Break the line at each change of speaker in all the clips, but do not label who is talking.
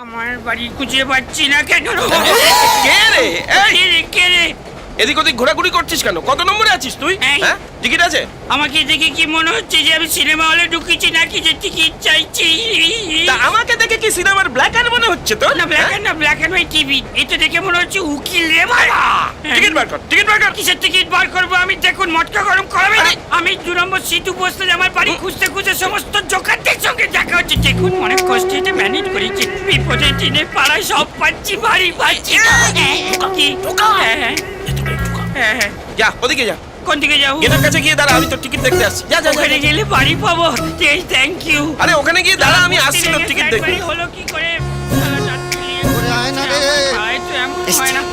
আমার বাড়ি খুঁজে পাচ্ছি না কেন?
কে রে? এই,
কে রে?
এদিক ওদিক ঘোরাঘুরি করছিস কেন? কত নম্বরে আছিস তুই?
এই।
হ্যাঁ, টিকিট আছে?
আমাকে দেখে কি মনে হচ্ছে যে আমি সিনেমা হলে ঢুকেছি নাকি যে টিকিট চাইছি?
তা আমাকে দেখে কি সিনেমার ব্ল্যাক অ্যান্ড মনে হচ্ছে তো?
না black and black and white TV. এটা দেখে মনে হচ্ছে উকিল রে মারা।
টিকিট বার কর, টিকিট বার কর।
কিসের টিকিট বার করবো আমি? দেখুন মটকা গরম করাবে না।
আরে!
আমি 2 নম্বর সিটু বসতে আমার বাড়ি খুঁজতে খুঁজতে সমস্ত জোকারদের সঙ্গে দেখা হচ্ছে। দেখুন অনেক কষ্টে এটা ম্যানেজ করেছি। বিপদের দিনে পাড়ায় সব পাচ্ছি, বাড়ি পাচ্ছি না। কি? হ্যাঁ।
যা ওদিকে যা,
কোন দিকে যাবো?
গেটের কাছে গিয়ে দাঁড়া, আমি তোর টিকিট দেখতে আসছি। যা যা যা,
ওখানে
যা।
গেলে বাড়ি পাবো। Thank you.
আরে ওখানে গিয়ে দাঁড়া, আমি আসছি তোর টিকিট দেখতে।
হলো কি করে?
ওরে আয় না রে।
আয় তো এমন হয় না।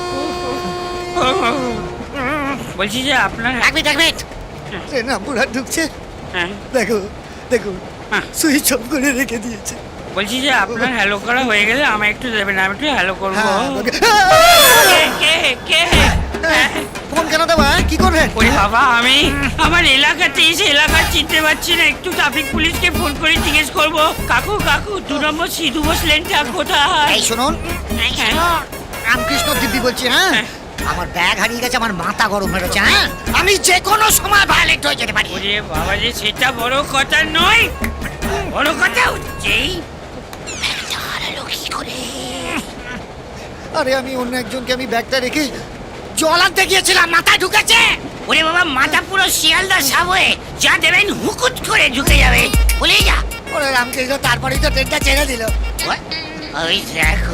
বলছি যে আপনার
এক মিনিট ট্রেন রামপুরহাট ঢুকছে।
হ্যাঁ
দেখো দেখো
হ্যাঁ।
সুইচ অফ করে রেখে দিয়েছে।
বলছি যে আপনার হ্যালো করা হয়ে গেলে আমায় একটু দেবেন, আমি একটু হ্যালো করবো।
হ্যাঁ, ওকে।
কে
ফোন কেন দেবা? কি করবেন?
ওরে বাবা, আমি আমার এলাকাতে এসে এলাকা চিনতে পারছি না। একটু ট্রাফিক পুলিশকে ফোন করে জিজ্ঞেস করবো, কাকু 2 নম্বর সিধু বসলেনটা কোথায়?
এই শুনুন, রামকৃষ্ণ দিব্যি বলছি। হ্যাঁ, আমার ব্যাগ হারিয়ে গেছে, আমার মাথা গরম হয়ে গেছে। হ্যাঁ, আমি যে কোনো সময় ভায়োলেট হয়ে যেতে পারি।
ওরে বাবা যে সেটা বড় কথা নয়, বড় কথা হচ্ছেই
ব্যাগটা হারালো কি করে? আরে আমি অন্য একজনকে আমি ব্যাগটা রেখে জল আনতে গিয়েছিলাম, মাথায় ঢুকেছে।
ওরে বাবা, মাথা পুরো শিয়ালদা সাবয়ে যা দেবেন হুকুট করে ঢুকে যাবে। বলে যা।
ওরে রামকৃষ্ণ, তারপরেই তো ট্রেনটা ছেড়ে দিল।
ওই দেখো,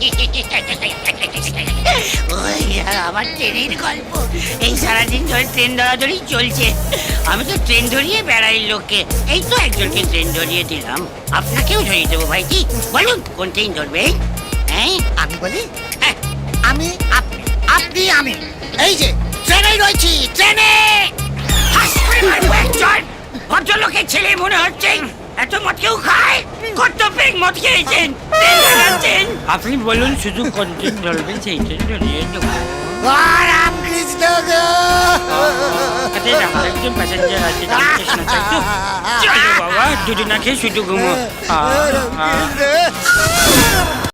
ওই আমার ট্রেনের গল্প। এই সারাদিন ধরে ট্রেন ধরাধরি চলছে। আমি তো ট্রেন ধরিয়ে বেড়াই লোককে। এই তো একজনকে ট্রেন ধরিয়ে দিলাম, আপনাকেও ধরিয়ে দেবো ভাইজি। বলুন কোন ট্রেন ধরবে? হ্যাঁ
আমি বলি, আমি আপনি, আপনি আমি, এই যে ট্রেনে রয়েছি, ট্রেনে।
ভদ্রলোকের ছেলে মনে হচ্ছে। এত মদ কেউ খায়? কত পেগ মদ খেয়েছেন? ট্রেন ধরাচ্ছেন? আপনি বলুন শুধু কোন ট্রেন ধরবেন, সেই ট্রেন ধরিয়ে দেবো।
রামকৃষ্ণ গো।
আরে আমার একজন প্যাসেঞ্জার আছে, রামকৃষ্ণ তাই তো? চলো বাবা, দুটো না খেয়ে শুধু ঘুমো।
রামকৃষ্ণ।